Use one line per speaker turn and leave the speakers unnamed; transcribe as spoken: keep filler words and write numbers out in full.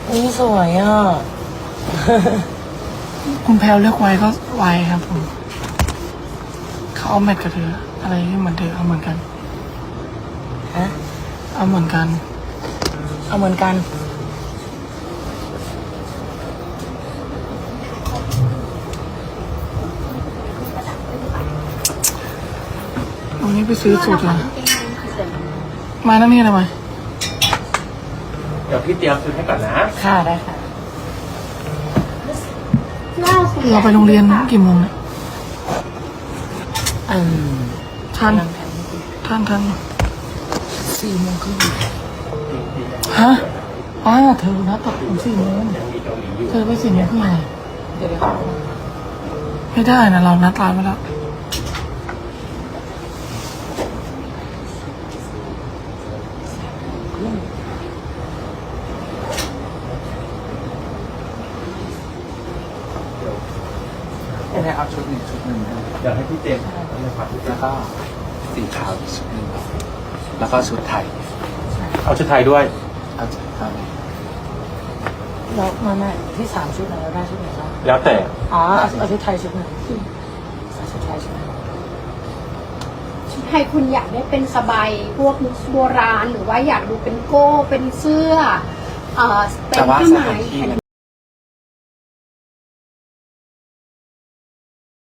นี่สวยอ่ะ
คุณแพลวเลือกไว้ก็ไว้ครับผมเขาเอาแมทกับเธออะไรที่เหมือนเธอเอาเหมือนกัน
ฮะ
เอาเหมือนกัน
เอาเหมือนกัน
วันนี้ไปซื้อสูตรเลยมานั่นนี่ทำไม
เดี๋ยวพี่เตรียมชุดให้ก่อนนะ
ค่ะได้ค่ะ
เราไปโรงเรียนกี่โมงเนี่ย
อืม
ทันทันทัน
สี่โมงครึ่ง
ฮะป้าเธอนัดตัดผมสี่โมงเธอไปสี่โมงครึ่งไง
เดี๋ยวเดี๋ยวเขา
ไม่ได้นะเรานัดร้านไว้แล้ว
จะได้เอาชุดหนึ่งชุดหนึ่งนะ
เดี๋ยวให้พี่เจมส์เลยครับ
แล้วก็สีขาวอีกชุดหนึ่งแล้วก็ชุดไทย
เอาชุดไทยด้วย
เอาชุดไทย
แล้วมาแม่ที่สามชุดไหนเราได้ชุดไหนบ้าง
แล้วแต่
อ๋อเอาเอาชุดไทยชุดหนึ่งเอาชุดไทยชุดหนึ่ง
ชุดไทยคุณอยากได้เป็นสบายพวกโบราณหรือว่าอยากดูเป็นโก้เป็นเสื้อเอ่อเป็น
แต่ว่า
ผ้า
ส
ไหม
ถานที่